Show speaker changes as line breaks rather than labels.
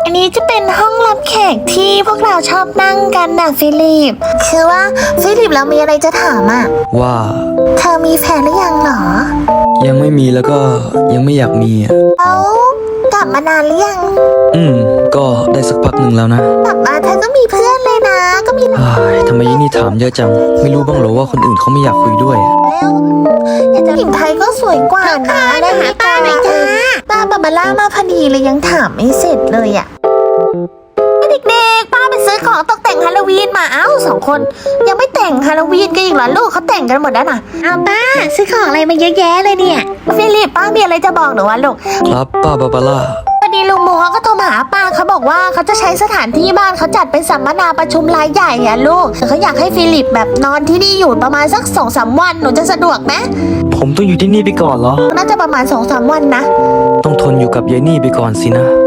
อันนี้จะเป็นห้องรับแขกที่พวกเราชอบนั่งกันนะฟิลิปคือว่าฟิลิปเรามีอะไรจะถามอ่ะ
ว่า
เธอมีแฟนหรือยังหรอ
ยังไม่มีแล้วก็ยังไม่อยากมีอ่ะ
กลับมานานหรือยัง
ก็ได้สักพักหนึ่งแล้วนะ
กลับมาเธอก็มีเพื่อนเลยนะก็มี
ทำไมยี่นี่ถามเยอะจังไม่รู้บ้างเหรอว่าคนอื่นเขาไม่อยากคุยด้วย
แล้วหญิงไทยก็สวยกว่านะได้ไหมป้าหน่อยจ้าป้าบาบาร่ามาพอดีเลยยังถามไม่เสร็จเลยอ่ะเด็กๆป้าไปซื้อของตกแต่งฮาโลวีนมาสองคนยังไม่แต่งฮาโลวีนกันอีกเหรอลูกเขาแต่งกันหมดแล้วนะป้าซื้อของอะไรมาเยอะแยะเลยเนี่ยฟิลิปป้ามีอะไรจะบอกหนูวะลูก
ครับป้าบาบาร่า
พอดีลุงหมูเขาก็โทรมาหาป้าเขาบอกว่าเขาจะใช้สถานที่บ้านเขาจัดเป็นสัมมนาประชุมรายใหญ่อะลูกเขาอยากให้ฟิลิปแบบนอนที่นี่อยู่ประมาณสัก 2-3 วันหนูจะสะดวกไหม
ผมต้องอยู่ที่นี่ไปก่อนเหรอ
น่าจะประมาณ 2-3 วันนะ
ต้องทนอยู่กับยายนี่ไปก่อนสินะ